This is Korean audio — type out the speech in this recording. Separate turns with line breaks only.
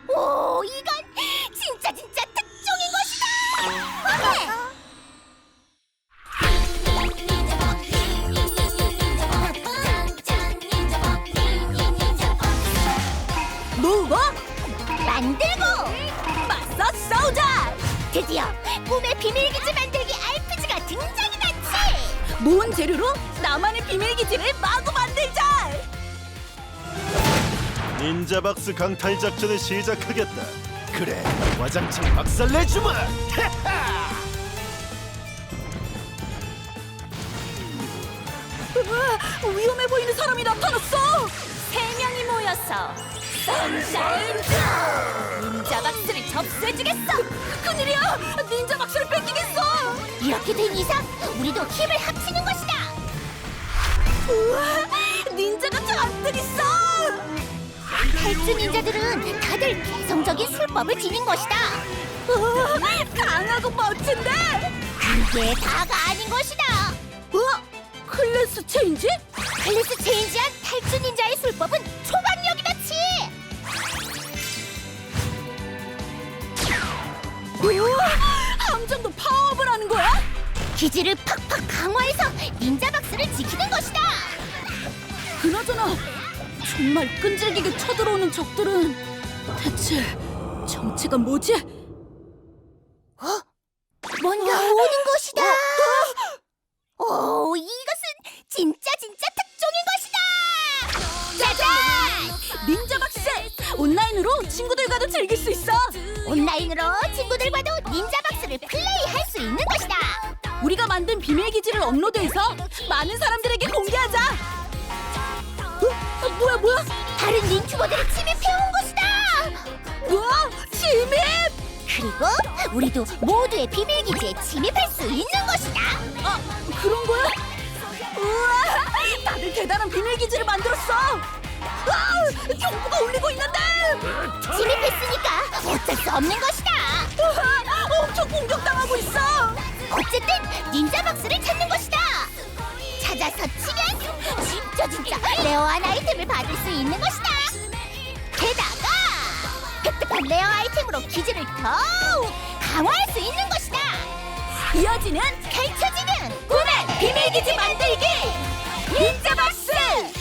오, 이건 진짜 특종인 것이다.
뭐?
만들고
맞서 싸우자!
드디어 꿈의 비밀기지 만들기 RPG가 등장이다. 치!
모은 재료로 나만의 비밀기지를 마구 만들자!
닌자박스 강탈 작전을 시작하겠다. 그래, 와장창 박살내주마.
으아, 위험해 보이는 사람이 나타났어!
3명이 모여서 선샤인 닌자박스를 접수해주겠어.
큰일이야! 닌자 박스를 뺏기겠어!
이렇게 된 이상 우리도 힘을 합치는 것이다.
우와! 닌자가 잔뜩 있어!
탈주 닌자들은 다들 개성적인 술법을 지닌 것이다.
우와, 강하고 멋진데?
그게 다가 아닌 것이다.
우와! 클래스 체인지?
클래스 체인지한 탈주 닌자의 술법은 초강력이다. 치!
우와! 함정도 파워업을 하는 거야?
기지를 팍팍 강화해서 닌자박스를 지키는 것이다.
그나저나 정말 끈질기게 쳐들어오는 적들은 대체 정체가 뭐지?
뭔가 오는 것이다. 오, 이것은 진짜 특종인 것이다. 짜잔!
닌자박스! 온라인으로 친구들과도 즐길 수 있어!
온라인으로 친구들과도 닌자박스를 플레이할 수 있는 것이다.
우리가 만든 비밀기지를 업로드해서 많은 사람들에게 공개하자! 뭐야?
다른 닌큐버들이 침입해온 것이다.
우와! 침입!
그리고 우리도 모두의 비밀기지에 침입할 수 있는 것이다.
아, 그런 거야? 우와! 다들 대단한 비밀기지를 만들었어! 아, 경보가 울리고 있는데!
침입했으니까 어쩔 수 없는 것이다.
우와, 엄청 공격당하고 있어!
어쨌든 닌자박스를 찾는 것이다. 찾아서 치면 진짜 레어한 아이템을 받을 수 있는 것이다. 게다가 획득한 레어 아이템으로 기지를 더욱 강화할 수 있는 것이다.
이어지는
펼쳐지는
꿈의 비밀기지 만들기! 닌자박스!